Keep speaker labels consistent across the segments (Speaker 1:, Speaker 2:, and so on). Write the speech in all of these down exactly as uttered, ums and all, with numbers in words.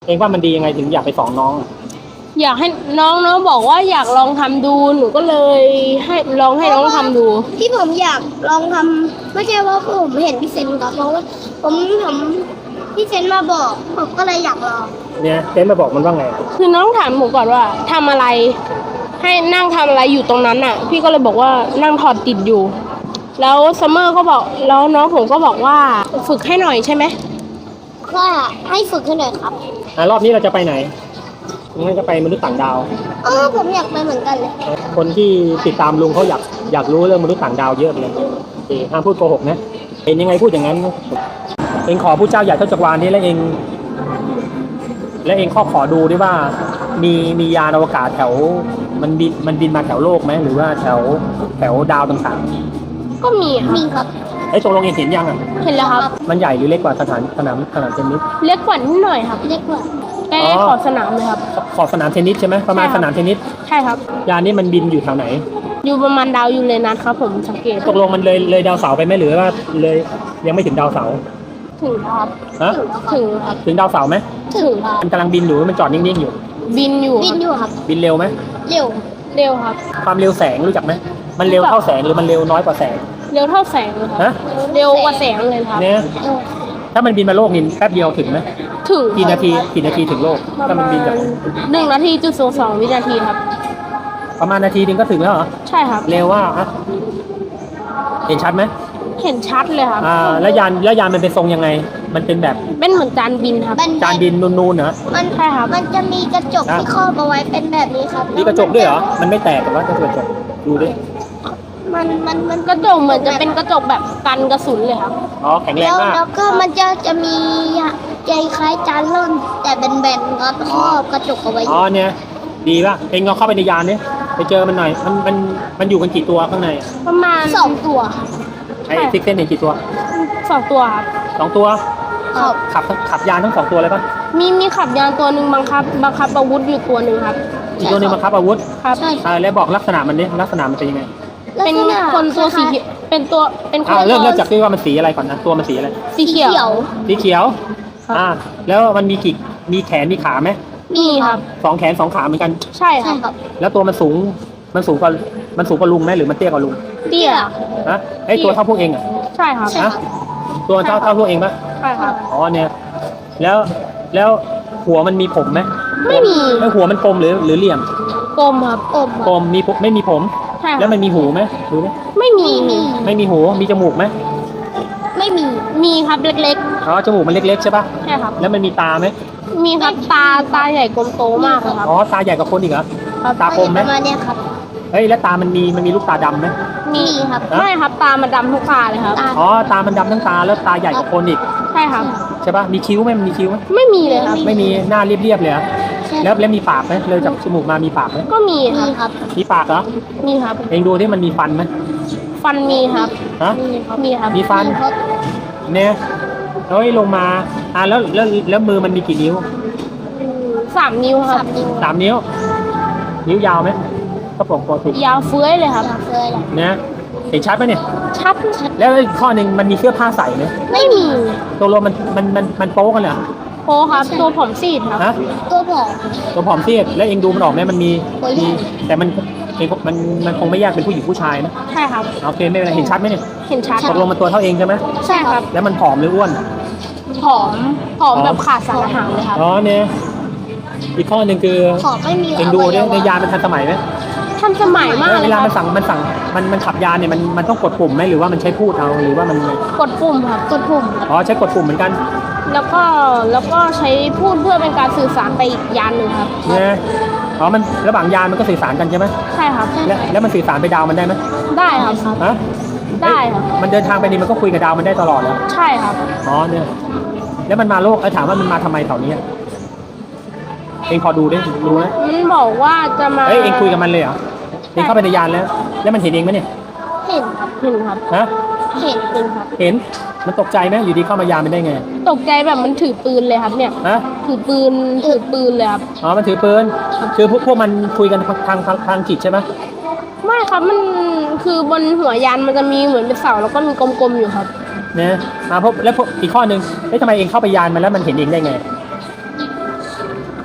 Speaker 1: เองว่ามันดียังไงถึงอยากไปสอนน้อง
Speaker 2: อยากให้น้องน้องบอกว่าอยากลองทำดูหนูก็เลยให้ลองให้น้องทำดู
Speaker 3: ที่ผมอยากลองทำไม่ใช่ว่าผมเห็นพี่เซนครับเพราะว่าผมผมพี่เซนมาบอกผมก็เลยอยากลอง
Speaker 1: เนี่ยเซนมาบอกมันว่าไง
Speaker 2: คือน้องถามผมก่อนว่าทำอะไรให้นั่งทำอะไรอยู่ตรงนั้นน่ะพี่ก็เลยบอกว่านั่งถอดติดอยู่แล้วซัมเมอร์ก็บอกแล้วน้องผมก็บอกว่าฝึกให้หน่อยใช่ไหม
Speaker 3: ก็ให้ฝึกให้หน่อยครับ
Speaker 1: อ่ารอบนี้เราจะไปไหนงั้นจะไปมนุษย์ต่างดาว
Speaker 3: เออผมอยากไปเหมือนกันเลย
Speaker 1: คนที่ติดตามลุงเขาอยากอยากรู้เรื่องมนุษย์ต่างดาวเยอะเลยโอเคห้ามพูดโกหกนะเองยังไงพูดอย่างนั้นเองขอผู้เจ้าใหญ่เท่าจักรวาลนี้แล้วเองแล้วเองข้อขอดูด้วยว่ามีมียานอวกาศแถวมันบินมันบินมาแถวโลกไหมหรือว่าแถวแถวดาวต่าง
Speaker 2: ๆก็มี
Speaker 3: มีครับ
Speaker 1: ไอ้ตรงลงเองเห็นยังอ่ะ
Speaker 2: เห็นแล้วครับ
Speaker 1: มันใหญ่หรือเล็กกว่าสถานสนามสนามเทนนิส
Speaker 2: เล็กกว่านิดหน่อยครับ
Speaker 3: เล็กกว่า
Speaker 2: ใกล้ขอบสนามเลยครับ
Speaker 1: ขอบสนามเทนนิสใช่ไหมประมาณสนามเทนนิส
Speaker 2: ใช่ครับ
Speaker 1: ยานนี้มันบินอยู่แถวไหน
Speaker 2: อยู่ประมาณดาวยูเรนัสครับผมสังเกต
Speaker 1: ตกลงมันเลยเลยดาวเสาร์ไปไหมหรือว่าเลยยังไม่ถึงดาวเสาร์
Speaker 2: ถึงครับ
Speaker 1: ฮะ
Speaker 2: ถึงครับ
Speaker 1: ถึงดาวเสาร์ไหม
Speaker 2: ถึงครับ
Speaker 1: มันกำลังบินอยู่มันจอดนิ่งๆอยู่
Speaker 2: บินอยู่
Speaker 3: บินอยู่ครับ
Speaker 1: บินเร็วไหม
Speaker 3: เร็ว
Speaker 2: เร็วครับ
Speaker 1: ความเร็วแสงรู้จักไหมมันเร็วเท่าแสงหรือมันเร็วน้อยกว่าแสง
Speaker 2: เร็วเท่าแสงเลยครับเร็วกว่าแสงเลยครับ
Speaker 1: เนี่ยถ้ามันบินมาโลกนี่แป๊บเดียวถึงไหม
Speaker 2: ถึง
Speaker 1: กี่นาทีกี่นาทีถึงโลกถ้ามันบินจาก
Speaker 2: หนึ่งนาทีจุดสองสองวินาทีครับ
Speaker 1: ประมาณนาทีนึงก็ถึงแล้วเหรอ
Speaker 2: ใช่ครับ
Speaker 1: เร็วว่าอ่ะเห็นชัดไหม
Speaker 2: เห็นชัดเลยครับ
Speaker 1: อ่าแล้วยานแล้วยานมันเป็นทรงยังไงมันเป็นแบบ
Speaker 2: เป็นเหมือนจานบินครับ
Speaker 1: จานบินนูนๆเหรอ
Speaker 3: มันใช่ครับมันจะมีกระจกที่ครอบเอาไว้เป็นแบบนี้ครับ
Speaker 1: มีกระจกด้วยเหรอมันไม่แตกหรือว่ากระจกดูดิ
Speaker 3: มันมันมัน
Speaker 2: กระจกเหมือนจะเป็นกระจกแบบกันกระสุนเลยครับ
Speaker 1: อ๋อแข็งแรงมาก
Speaker 3: แล้วก็มันจะจะมีใจคล้ายจานล่นแต่แบนๆครับครอบกระจกเอาไว้
Speaker 1: อ๋อเนี่ยดีป่ะเองลองเข้าไปในยานดิไปเจอมันหน่อยมันมันมันอยู่กันกี่ตัวข้างใน
Speaker 2: ประมาณ
Speaker 3: สองตัว
Speaker 1: ไอ้ซิกเซนเห็นกี่ตัว
Speaker 2: สองตัวครับ
Speaker 1: สองตัวขับขับยานทั้งสองตัวเลยป่ะ
Speaker 2: มีมีขับยานตัวหนึ่งบังคับบังคับอาวุธอยู่ตัวหนึ่งครับ
Speaker 1: อีกตัวหนึ่งบังคับอาวุธ
Speaker 2: ครับ
Speaker 1: ใช่แล้วบอกลักษณะมันดิลักษณะมันเป็นยังไง
Speaker 2: เป็นคนตัวสีเป็นตัวเป็นคน
Speaker 1: เริ่มเริ่มจากที่ว่ามันสีอะไรก่อนนะตัวมันสีอะไร
Speaker 2: สีเขียว
Speaker 1: สีเขียวอ่าแล้วมันมีกี่มีแขนมีขาไหม
Speaker 2: มีครับ
Speaker 1: สองแขนสองขาเหมือนกัน
Speaker 2: ใช่ครับ
Speaker 1: แล้วตัวมันสูงมันสูงกว่ามันสูงกว่าลุงไหมหรือมันเตี้ยกว่าลุง
Speaker 2: เตี้ย
Speaker 1: ฮะไอตัวเท่าพวกเองอ่ะ
Speaker 2: ใช่ครับ
Speaker 1: ฮะตัวเท่าเท่าพวกเองปะ
Speaker 2: ใช่ครับ
Speaker 1: อ๋อเนี่ยแล้วแล้วหัวมันมีผมไหม
Speaker 2: ไม่มี
Speaker 1: แล้วหัวมันกลมหรือหรือเหลี่ยม
Speaker 2: กลมครับ
Speaker 1: กลมกลมมีไม่มีผมแล้วมันมีหูไหมหูไหม
Speaker 2: ไม่มี
Speaker 1: ไม่มีหูมีจมูกไหม
Speaker 2: ไม่มีมีครับเล็ก
Speaker 1: ๆอ๋อจมูกมันเล็กๆใช่ปะ
Speaker 2: ใช่ครับ
Speaker 1: แล้วมันมีตาไหม
Speaker 2: มีครับตาตาใหญ่กลมโตมากครับ
Speaker 1: อ๋อตาใหญ่กว่าคนอีกเหรอตากลมไหม
Speaker 3: ประมาณนี้ครับ
Speaker 1: เฮ้ยแล้วตามันมีมันมีลูกตาดำไหม
Speaker 2: มีครับไม่ครับตามันดำทุกตาเลยครับ
Speaker 1: อ๋อตามันดำทั้งตาแล้วตาใหญ่กว่าคนอีก
Speaker 2: ใช่ครับ
Speaker 1: ใช่ปะมีคิ้วไหมมันมีคิ้วไหม
Speaker 2: ไม่มีเลยครับ
Speaker 1: ไม่มีหน้าเรียบๆเลยแล้วแล้วมีปากไหมเลยจากจมูกมามีปากไหม
Speaker 2: ก็มีครับ
Speaker 1: มีปากเหรอ
Speaker 2: มีครับ
Speaker 1: เองดูที่มันมีฟันไหม
Speaker 2: ฟันมีครับ
Speaker 1: ฮะ
Speaker 2: มีครับ
Speaker 1: มีฟันเนี่ยเฮ้ยลงมาอ่าแล้วแล้วแล้วมือมันมีกี่นิ้ว
Speaker 2: สามนิ้วครับ
Speaker 1: สามนิ้วนิ้วยาวไหมก็ปกติ
Speaker 2: ยาวเฟื้อยเลยครับ
Speaker 3: เฟื้อย
Speaker 1: เนี่ยเห็นชัดไหมเนี่ย
Speaker 2: ชัด
Speaker 1: แล้วอีกข้อหนึ่งมันมีเสื้อผ้าใส่ไหม
Speaker 2: ไม่มี
Speaker 1: ตัวรวมมันมันมันมันโป๊กันเหรอ
Speaker 2: โป๊ครับตัวผอมซีดครับ
Speaker 3: ตัวผอม
Speaker 1: ตัวผอมซีดแล้วเองดูมันออกไหมมันมีมีแต่มันเองมันมันคงไม่แยกเป็นผู้หญิงผู้ชายนะ
Speaker 2: ใช่ครับ
Speaker 1: โอเคไม่เป็นไรเห็นชัดไหมเนี่ย
Speaker 2: เห็นชัด
Speaker 1: ตกลงมันตัวเท่าเองใช่ไหม
Speaker 2: ใช่ครับ
Speaker 1: แล้วมันผอมหรืออ้วน
Speaker 2: ผอมผอมแบบขาดสารอาหารเลยครับ
Speaker 1: อ๋อเนี่ยอีกข้อหนึ่งคือ
Speaker 3: ผอมไม่มี
Speaker 1: เองดูเนี่ยในยานมันทันสมัยไหม
Speaker 2: ทันสมัยมาก
Speaker 1: เวลามันสั่งมันสั่งมันมันขับยานเนี่ยมันมันต้องกดปุ่มไหมหรือว่ามันใช้พูดเอาหรือว่ามัน
Speaker 2: กดปุ่มครับกดปุ่ม
Speaker 1: อ๋อใช้กดปุ่มเหมือนกัน
Speaker 2: แล้วก็แล้วก็ใช้พูดเพื่อเป็นการสื่อสารไปอีกยานหนึ่งครับ
Speaker 1: เนี่ยอ๋อมันระหว่างยานมันก็สื่อสารกันใช่ไหม
Speaker 2: ใช่ครับ
Speaker 1: แล้วแล้วมันสื่อสารไปดาวมันได้ไหม
Speaker 2: ได้ครับ
Speaker 1: ฮะ
Speaker 2: ได้ครับ
Speaker 1: มันเดินทางไปนี่มันก็คุยกับดาวมันได้ตลอดแล้ว
Speaker 2: ใช่ครับ
Speaker 1: อ๋อเนี่ยแล้วมันมาโลกเออถามว่ามันมาทำไมแถวนี้เองพอดูได้รู้ไหม
Speaker 2: มันบอกว่าจะมา
Speaker 1: เอ้ยเองคุยกับมันเลยเหรอเองเข้าไปในยานแล้วแล้วมันเห็นเองไหมเนี่ย
Speaker 2: เห็นครับเห็นครับ
Speaker 1: ฮะ
Speaker 2: เห็นเห็นครับ
Speaker 1: เห็นมันตกใจไหมอยู่ดีเข้ามายานมันได้ไง
Speaker 2: ตกใจแบบมันถือปืนเลยครับเนี่ย
Speaker 1: ฮะ
Speaker 2: ถือปืนถือปืนเลยครับ
Speaker 1: อ๋อมันถือปืนคือพวกพวกมันคุยกันทางทางทางจิตใช่ไหม
Speaker 2: ไม่ครับมันคือบนหัวยานมันจะมีเหมือนเป็นเสาแล้วก็มีกลมๆอยู่ครับ
Speaker 1: เนี่ยมาพบแล้วอีกข้อหนึ่งเฮ้ยทำไมเองเข้าไปยานมันแล้วมันเห็นเองได้ไง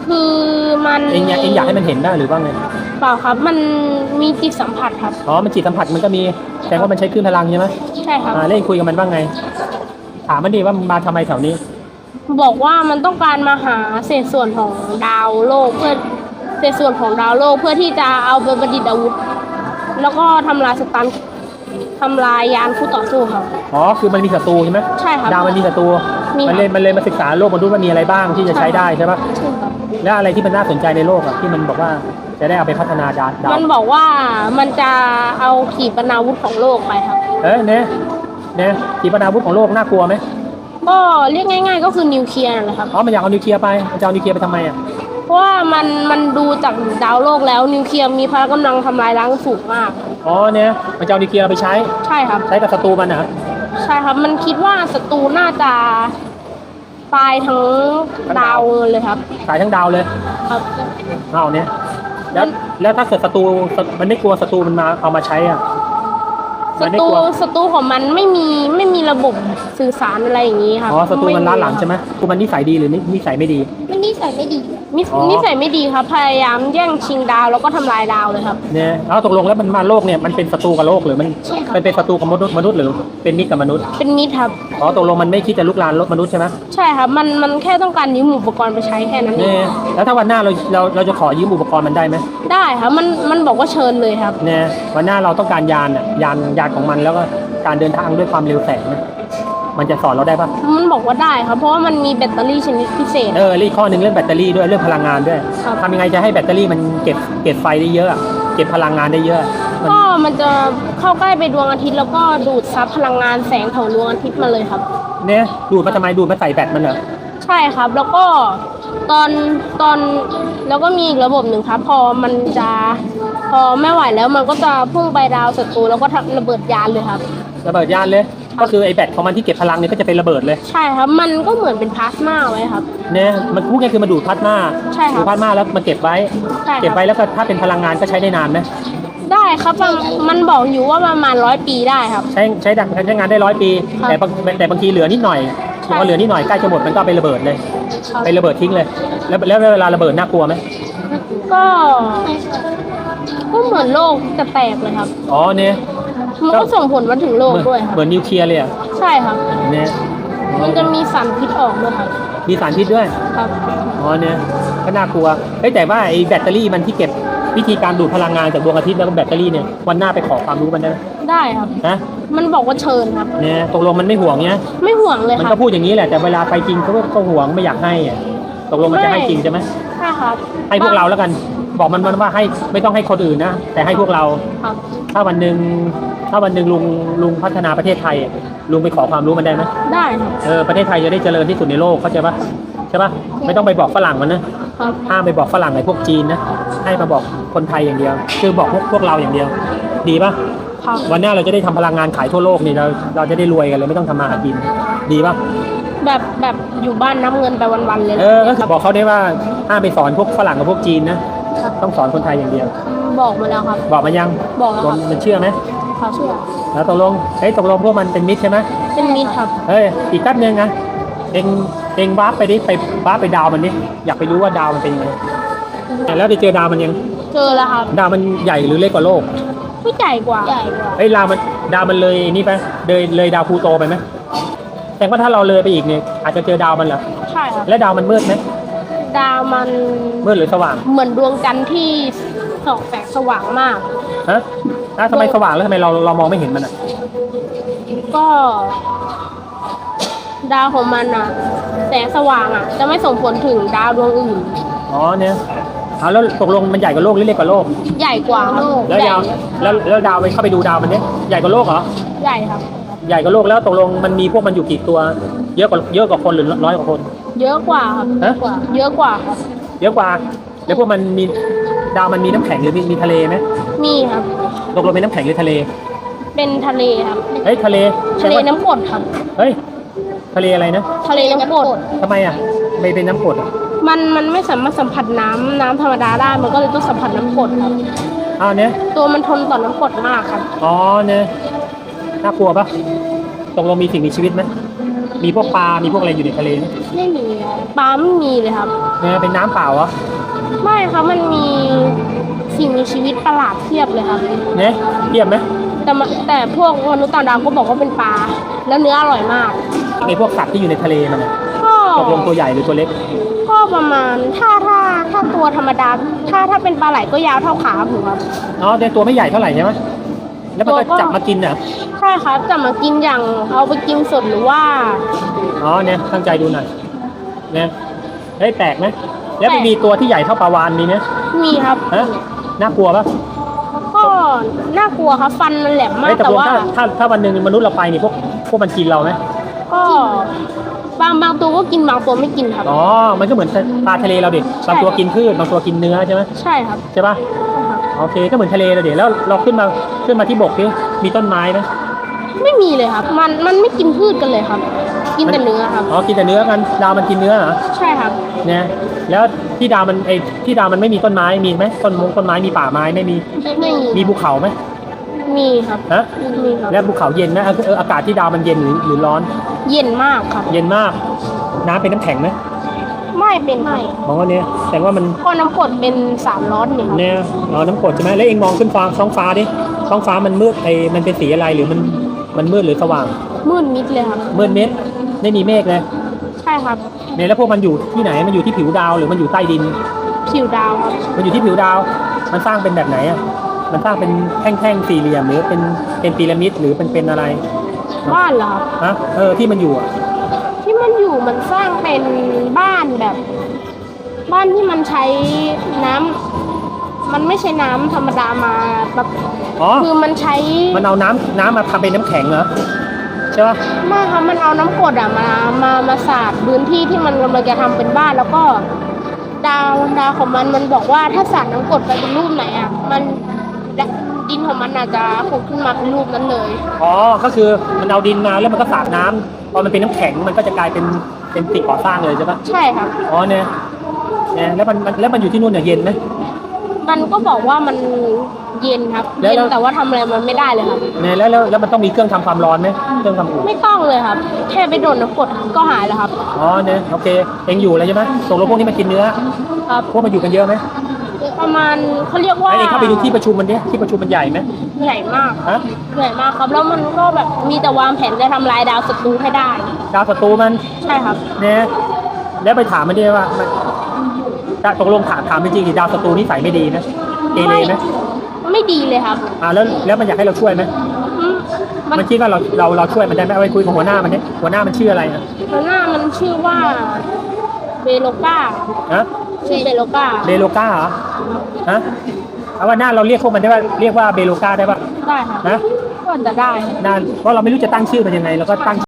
Speaker 2: คือมัน
Speaker 1: เองอยากเองอยากให้มันเห็นได้หรือว่าไง
Speaker 2: เปล่าครับ มันมีจิตสัมผัสครับ
Speaker 1: อ๋อมันจิตสัมผัสมันก็มีแสดงว่ามันใช้คลื่นพลังใช่ไหม
Speaker 2: ใช่ครับ
Speaker 1: อ่าแล้วเองคุยกับมันว่าไงถามมันดีว่ามันมาทำไมแถวนี้
Speaker 2: บอกว่ามันต้องการมาหาเศษส่วนของดาวโลกเพื่อเศษส่วนของดาวโลกเพื่อที่จะเอาไปประดิษฐ์อาวุธ แล้วก็ทำลายสตันทำลายยานคู่ต่อสู้ครับ
Speaker 1: อ๋อคือมันมีศัตรูใช่ไหม
Speaker 2: ใช่ครับ
Speaker 1: ดาวมันมีศัตรู
Speaker 2: มี
Speaker 1: มันเลยมันเลยมาศึกษาโลกมนุษย์ว่ามีอะไรบ้างที่จะใช้ได้ใช่ปะ
Speaker 2: ใช่ครับ
Speaker 1: แล้วอะไรที่มันน่าสนใจในโลกอ่ะที่มันบอกว่าจะได้เอาไปพัฒนาดาวดาว
Speaker 2: มันบอกว่ามันจะเอาขีปนาวุธของโลกไปครับ
Speaker 1: เอ้ยเนี่ยเนี่ยขีปนาวุธของโลกน่ากลัวไหม
Speaker 2: ก็เรียกง่าย ๆ ก็คือนิวเคลียร์นั่นแหละครับ
Speaker 1: อ๋อมันอยากเอานิวเคลียร์ไปมันจะเอานิวเคลียร์ไปทำไมอ่ะ
Speaker 2: เพราะว่ามันมันดูจากดาวโลกแล้วนิวเคลียร์มีพละกำลังทำลายล้างสูงมาก
Speaker 1: อ๋อเนี่ยมันจะเอานิวเคลียร์ไปใช้
Speaker 2: ใช่ครับ
Speaker 1: ใช้กับศัตรูมันนะ
Speaker 2: ใช่ครับ มันคิดว่าศัตรูน่าจะตายทั้งดาวเลยครับ
Speaker 1: ขายทั้งดาวเลย
Speaker 2: ครับ
Speaker 1: เอาเนี่ยแล้วแล้วถ้าเกิดศัตรูมันไม่กลัวศัตรูมันมาเอามาใช้อ่ะ
Speaker 2: ศั
Speaker 1: มันไม่
Speaker 2: ตรู
Speaker 1: กลัว
Speaker 2: ศัตรูของมันไม่มีไม่มีระบบสื่อสารอะไรอย่างนี้ครับ
Speaker 1: อ๋อศัตรูมันล้าหลัง
Speaker 2: ไ
Speaker 1: ใช่ไหมกูมันนิสัยดีหรือนินิสัยไม่ดี
Speaker 3: มันนิสัยไม่ดี
Speaker 2: นิส
Speaker 1: อ๋อ
Speaker 2: นิสัยไม่ดีครับ พยายามแย่งชิงดาวแล้วก็ทำลายดาวเลยครับ
Speaker 1: เนี่ยแล้วตกลงแล้วมันมาโลกเนี่ยมันเป็นศัตรูกับโลกหรือมัน
Speaker 3: ใช่ครับ
Speaker 1: มันเป็นศัตรูกับมนุษย์มนุษย์หรือเป็นมิตรกับมนุษย์
Speaker 2: เป็นมิตรครับ
Speaker 1: อ๋อตกลงมันไม่คิดจะลุกลานโลกมนุษย์ใช่ไหม
Speaker 2: ใช่ครับ มันมันแค่ต้องการยืมอุปกรณ์ไปใช้แค่นั้นเอ
Speaker 1: เนี่
Speaker 2: ง
Speaker 1: ยแล้วถ้าวันหน้าเราเราเราจะขอยืมอุปกรณ์มันได้ไหม
Speaker 2: ได้ครับ มันมันบอกว่าเชิญเลยครับ
Speaker 1: เนี่ยวันหน้าเราต้องการยานอ่ะยานยานของมันแล้วก็การเดินทางด้วยความเร็วแสงเนี่ยมันจะสอนเราได้ปะ
Speaker 2: มันบอกว่าได้ครับ เพราะว่ามันมีแบตเตอรี่ชนิดพิเศษ
Speaker 1: เออแล้วอีกข้อหนึ่งเรื่องแบตเตอรี่ด้วยเรื่องพลังงานด้วย
Speaker 2: ครับ
Speaker 1: ทำยังไงจะให้แบตเตอรี่มันเก็บเก็บไฟได้เยอะอะเก็บพลังงานได้เยอะมัน
Speaker 2: ก็มันจะเข้าใกล้ไปดวงอาทิตย์แล้วก็ดูดซับพลังงานแสงของดวงอาทิตย์มาเลยครับ
Speaker 1: เนี่ยดูดมาทำไมดูดมาใส่แบตมันเหรอ
Speaker 2: ใช่ครับ แล้วก็ตอนตอนแล้วก็มีอีกระบบหนึ่งครับ พอมันจะพอไม่ไหวแล้วมันก็จะพุ่งไปดาวศัตรูแล้วก็ทำระเบิดยานเลยครับ
Speaker 1: ระเบิดยานเลย ก็คือไอ้แบตของมันที่เก็บพลังเนี่ยก็จะเป็นระเบิดเลย
Speaker 2: ใช่ครับ มันก็เหมือนเป็นพลาสมาไว้ครับ
Speaker 1: เนี่ยมันพูดง่ายๆคือมันดูดพลาสมา
Speaker 2: ใช่ครับ
Speaker 1: ดูดพลาสมาแล้วมันเก็บไว้
Speaker 2: ใช่ครับ
Speaker 1: เก็บไว้แล้วก็ถ้าเป็นพลังงานก็ใช้ได้นานไหม
Speaker 2: ได้ครับมันมันบอกอยู่ว่าประมาณร้อยปีได้ครับ
Speaker 1: ใช้ใช้ดังใช้งานได้ร้อยปี
Speaker 2: ครับ
Speaker 1: แต่บางแต่บางทีเหลือนิดหน่อย
Speaker 2: ใช่
Speaker 1: พอเหลือนิดหน่อยใกล้จะหมดมันก็เอาไประเบิดเลย
Speaker 2: ครับ
Speaker 1: ไประเบิดทิ้งเลย แล้วแล้วเวลาระเบิดน่ากลัวไหม
Speaker 2: ก็ก็เหมือนโลกจะแตกเลยครับ
Speaker 1: อ๋อเนี่ย
Speaker 2: มันก็ส่งผลมาถึงโลก
Speaker 1: เหมือน
Speaker 2: ด้วยครับ
Speaker 1: เหมือนนิวเคลียร์เลยอ่ะ
Speaker 2: ใช่ครับ
Speaker 1: เนี่ย
Speaker 2: มันจะมีสารพิษออกด้วยครับ
Speaker 1: มีสารพิษด้วย
Speaker 2: ครับ
Speaker 1: อ๋อเนี่ยก็น่ากลัวเฮ้ยแต่ว่าไอ้แบตเตอรี่มันที่เก็บวิธีการดูดพลังงานจากดวงอาทิตย์แล้วก็แบตเตอรี่เนี่ยวันหน้าไปขอความรู้มันได้ไหม
Speaker 2: ได้ครับ
Speaker 1: นะ
Speaker 2: มันบอกว่าเชิญครับ
Speaker 1: เนี่ยตกลงมันไม่ห่วงเนี่ย
Speaker 2: ไม่ห่วงเลย
Speaker 1: มัน
Speaker 2: ครั
Speaker 1: ก็
Speaker 2: บ
Speaker 1: พูดอย่างนี้แหละแต่เวลาไปจริงเขาก็ก็ห่วงไม่อยากให้อะตกลงมันจะให้จริงใช่ไหม
Speaker 2: ใช่ครับ
Speaker 1: ให้พวกเราแล้วกัน บอกมันมันว่าให้ไม่ต้องให้คนอื่นนะแต่ให้พวกเรา
Speaker 2: ครับ
Speaker 1: ถ้าวันหนึ่งถ้าวันหนึ่งลุงลุงพัฒนาประเทศไทยอะลุงไปขอความรู้มันได้ไหม
Speaker 2: ได้ครับ
Speaker 1: เออประเทศไทยจะได้เจริญที่สุดในโลกเข้าใจปะใช่ปะไม่ต้องไปบอกฝรั่งมันนะครับ ห้ามไปบอกฝรั่งไอ้พวกจีนนะให้มาบอกคนไทยอย่างเดียว คือบอกพวกพวกเราอย่างเดียว ดีปะ
Speaker 2: ครับ
Speaker 1: วันหน้าเราจะได้ทำพลังงานขายทั่วโลกนี่เราเราจะได้รวยกันเลยไม่ต้องทำมาหากินดีปะ
Speaker 2: แบบแบบอยู่บ้านนับเงินไปวันๆเลย
Speaker 1: เออก็คือบอกเขาได้ว่าห้ามไปสอนพวกฝรั่งกับพวกจีนนะต้องสอนคนไทยอย่างเดียว
Speaker 2: บอกมาแล้วครับ
Speaker 1: บอกมายัง
Speaker 2: บอกแล้วครับ
Speaker 1: มันเชื่อไหม
Speaker 2: ครับเชื่อ
Speaker 1: แล้วตกลงเฮ้ยตกลงพวกมันเป็นมิตรใช่ไหม
Speaker 2: เป็นมิตรครับ
Speaker 1: เฮ้ยอีกแป๊บนึงนะเองเองวาร์ปไปดิไปวาร์ปไปดาวมันดิอยากไปรู้ว่าดาวมันเป็นยังไงแล้วไปเจอดาวมันยัง
Speaker 2: เจอแล้วครับ
Speaker 1: ดาวมันใหญ่หรือเล็กกว่าโลก
Speaker 2: ไม่ใหญ่กว่า
Speaker 3: ใหญ่กว่า
Speaker 1: เฮ้ยดาวมันดาวมันเลยนี่ไปเลยเลยดาวพลูโตไปไหมแต่ว่าถ้าเราเลยไปอีกเนี่ยอาจจะเจอดาวมันเหรอ
Speaker 2: ใช่ครับ
Speaker 1: และดาวมันมืดไหม
Speaker 2: ดาวมัน
Speaker 1: มืดหรือสว่าง
Speaker 2: เหมือนดวงจันทร์ที่ส่องแสงสว่างมาก
Speaker 1: ฮะอ้าวทำไมสว่างแล้วทำไมเราเรามองไม่เห็นมันอ่ะ
Speaker 2: ก็ ดาวของมันอ่ะ แสงสว่างอ่ะ จะไม่ส่งผลถึงดาวดวงอื่น
Speaker 1: อ๋อเนี่ยเอาแล้วตกลงมันใหญ่กว่าโลกหรือเล็กกว่าโลก
Speaker 2: ใหญ่กว่าครับ
Speaker 1: แล้ว
Speaker 2: ใหญ่
Speaker 1: ดาวแล้วแล้วดาวไปเข้าไปดูดาวมันเนี่ยใหญ่กว่าโลกเหรอ
Speaker 2: ใหญ่ครับ
Speaker 1: ใหญ่กว่าโลกแล้วตกลงมันมีพวกมันอยู่กี่ตัว เยอะกว่าเยอะกว่าคนหรือน้อยกว่าคน
Speaker 2: เยอะกว่าครับ
Speaker 1: ฮะ
Speaker 2: เยอะกว่าครับ
Speaker 1: เยอะกว่าแล้วพวกมันมีดาวมันมีน้ำแข็งหรือมีมีทะเลไหม
Speaker 2: มีครับ
Speaker 1: ตกลงเป็นน้ำแข็งหรือทะเล
Speaker 2: เป็นทะเลครับ
Speaker 1: เฮ้ยทะเล
Speaker 2: ทะเลน้ำกรดครับ
Speaker 1: เฮ้ยทะเลอะไรนะ
Speaker 2: ทะเลน้ำกรด
Speaker 1: ทำไมอ่ะไม่เป็นน้ำกรดอ่ะ
Speaker 2: มันมันไม่สามารถสัมผัสน้ำน้ำธรรมดาได้ มันก็เลยต้องสัมผัสน้ำกรดครับ
Speaker 1: อ้าวเนี่ย
Speaker 2: ตัวมันทนต่อน้ำกรดมากครับ
Speaker 1: อ๋อเนี่ยน่ากลัวปะตกลงมีสิ่งมีชีวิตไหมมีพวกปลา มีพวกอะไรอยู่ในทะเลไหม
Speaker 2: ไม่มีครับปลาไม่มีเลยครับ
Speaker 1: เนี่ยเป็นน้ำเปล่าเหรอ
Speaker 2: ไม่ครับมันมีสิ่งมีชีวิตประหลาดเทียบเลยครับ
Speaker 1: เนี่ยเทียบไหม
Speaker 2: แต่มันแต่พวกมนุษย์ต่างดาวก็บอกว่าเป็นปลาแล้วเนื้ออร่อยมาก
Speaker 1: ในพวกสัตว์ที่อยู่ในทะเลมันน่ะ
Speaker 2: ก็
Speaker 1: ตกลงตัวใหญ่หรือตัวเล็ก
Speaker 2: ก็ประมาณถ้าถ้าถ้าตัวธรรมดา ถ้าถ้าเป็นปลาไหลก็ยาวเท่าขาผมครับ
Speaker 1: อ๋อแต่ตัวไม่ใหญ่เท่าไหร่ใช่ไหมแล้วมันก็
Speaker 2: ตัวก็
Speaker 1: จับมากินน่ะ
Speaker 2: ใช่ครับจะมากินอย่างเอาไปกินสดหรือว่า
Speaker 1: อ๋อเนี่ยตั้งใจดูหน่อยเนี่ยเฮ้ยแปลกไหมแล้วมัน
Speaker 2: แปลก
Speaker 1: มีตัวที่ใหญ่เท่าปลาวาฬมีไหม
Speaker 2: มีครับ
Speaker 1: ฮะน่ากลัวปะ
Speaker 2: ก็น่ากลัวครับฟันมันแหลมมา
Speaker 1: เฮ้
Speaker 2: ก
Speaker 1: ยแต่
Speaker 2: แต่
Speaker 1: พวก
Speaker 2: ว่า
Speaker 1: ถ้าถ้าถ้าวันหนึ่งมนุษย์เราไปนี่พวกพวกมันกินเราไหม
Speaker 2: ก็บางบางตัวก็กินบางตัวไม่กินครับ
Speaker 1: อ๋อมันก็เหมือนปลาทะเลเราเด็ก
Speaker 2: ใช่
Speaker 1: บางตัวกินพืชบางตัวกินเนื้อใช่ไหม
Speaker 2: ใช่ครับ
Speaker 1: ใช่ปะ
Speaker 2: ใช่ครับ
Speaker 1: โอเคก็เหมือนทะเลเราเด็กแล้วเราขึ้นมาขึ้นมาที่บกนี่มีต้นไม้ไหม
Speaker 2: ไม่มีเลยครับ มันมันไม่กินพืชกันเลยครับ กินแต่เนื้อครับ
Speaker 1: อ๋อกินแต่เนื้อกันดาวมันกินเนื้อเหรอ
Speaker 2: ใช่ครับ
Speaker 1: เนี่ยแล้วที่ดาวมันไอที่ดาวมันไม่มีต้นไม้มีไหมต้นมงต้นไม้มีป่าไม้ไม่มี
Speaker 2: ไม่มี
Speaker 1: มีภูเขาไหม
Speaker 2: มีครับ
Speaker 1: ฮะ
Speaker 2: มีครับ
Speaker 1: แล้วภูเขาเย็นไหมเออเอออากาศที่ดาวมันเย็นหรือหรือร้อน
Speaker 2: เย็นมากครับ
Speaker 1: เย็นมาก น้ำเป็นน้ำแข็งไหม
Speaker 2: ไม่เป็นไม่
Speaker 1: มองว่าเนี่ยแสดงว่ามัน
Speaker 2: ก็น้ำกรดเป็นสารร้อนนี่ครับ
Speaker 1: เนี่ยอ๋อน้ำกรดใช่ไหมแล้วเองมองขึ้นฟ้าท้องฟ้าดิท้องฟ้ามันมืดไอมันเป็นสีอะไรหรือมันมันมืดหรือสว่าง
Speaker 2: มืดมิดเลยครับ
Speaker 1: มืดมิดไม่มีเมฆเลย
Speaker 2: ใช่ครับ
Speaker 1: เนี่ยแล้วพวกมันอยู่ที่ไหนมันอยู่ที่ผิวดาวหรือมันอยู่ใต้ดิน
Speaker 2: ผิวดาวครับ
Speaker 1: มันอยู่ที่ผิวดาว มันสร้างเป็นแบบไหนอ่ะมันสร้างเป็นแท่งๆสี่เหลี่ยมหรือเป็นเป็นพีระมิดหรือเป็นเป็นอะไร
Speaker 2: บ้านเหรอครับ
Speaker 1: ฮะเออที่มันอยู่อ่ะ
Speaker 2: ที่มันอยู่มันสร้างเป็นบ้านแบบ บ้านที่มันใช้น้ำมันไม่ใช่น้ำธรรมดามาแบบ
Speaker 1: อ๋อ
Speaker 2: คือมันใช้
Speaker 1: มันเอาน้ำน้ำมาทำเป็นน้ำแข็งเหรอใช่ปะ
Speaker 2: ไม่ครับมันเอาน้ำกรดอะมามามาสาดพื้นที่ที่มันกำลังจะทำเป็นบ้านแล้วก็ ดาวดาวของมันมันบอกว่าถ้าสาดน้ำกรดไปเป็นรูปไหนอะมันดินของมันอาจจะผุดขึ้นมาเป็นรูปนั้นเลย
Speaker 1: อ๋อก็คือมันเอาดินมาแล้วมันก็สาดน้ำพอมันเป็นน้ำแข็งมันก็จะกลายเป็นเป็นสิ่งก่อสร้างเลยใช่ปะ
Speaker 2: ใช่ครับ
Speaker 1: อ๋อเนี่ยเนี่ยแล้วมันมันแล้วมันอยู่ที่นู่นเนี่ยเย็นไหม
Speaker 2: มันก็บอกว่ามันเย็นครับ
Speaker 1: แล้ว
Speaker 2: เย็น
Speaker 1: แล้ว
Speaker 2: แต่ว่าทำอะไรมันไม่ได้เลยครับ
Speaker 1: เนี่ยแล้วแล้วแล้วมันต้องมีเครื่องทำความร้อนไหมเครื่องทำอุ่น
Speaker 2: ไม่ต้องเลยครับ แค่ไปโดนน้ำกรดก็หายแล้วครับ
Speaker 1: อ๋อเนี่ยโอเคเองอยู่แล้วใช่ไหมตกลงพวกนี้มันกินเนื้อ
Speaker 2: ครับ
Speaker 1: พวกมันอยู่กันเยอะไหม
Speaker 2: ประมาณเขาเรียกว่า
Speaker 1: ไอ้เองเข้าไปดูที่ประชุมมันดิที่ประชุมมันใหญ่ไหม
Speaker 2: ใหญ่มาก
Speaker 1: ฮะ
Speaker 2: ใหญ่มากครับ แล้วมันก็แบบมีแต่วางแผนจะทำลายดาวศัตรูให้ได้
Speaker 1: ดาวศัตรูมัน
Speaker 2: ใช่ครับ
Speaker 1: เนี่ยแล้วไปถามมันดิว่ามันตกลงถามถามจริงๆดิดาวศัตรูนิสัยไม่ดีนะเกเรไหม
Speaker 2: ไม่ดีเลยครับ
Speaker 1: อ่าแล้วแล้วมันอยากให้เราช่วยไหม
Speaker 2: อืมมัน
Speaker 1: มันคิดว่าเราเราเราช่วยมันได้ไหมเอาไปคุยกับหัวหน้ามันดิหัวหน้ามันชื่ออะไรอ่ะ
Speaker 2: หัวหน้ามันชื่อว่าเบโลกา
Speaker 1: ฮะ
Speaker 2: ชื่อเบโลกา
Speaker 1: เบโลกาเหรอฮะเอาว่าหน้าเราเรียกพวกมันได้ว่าเรียกว่าเบโลกาได้ป่ะ
Speaker 2: ได้ครับ
Speaker 1: ฮะ
Speaker 2: ก็จะได้
Speaker 1: นานเพราะเราไม่รู้จะตั้งชื่อมันยังไงเราก็ตั้ง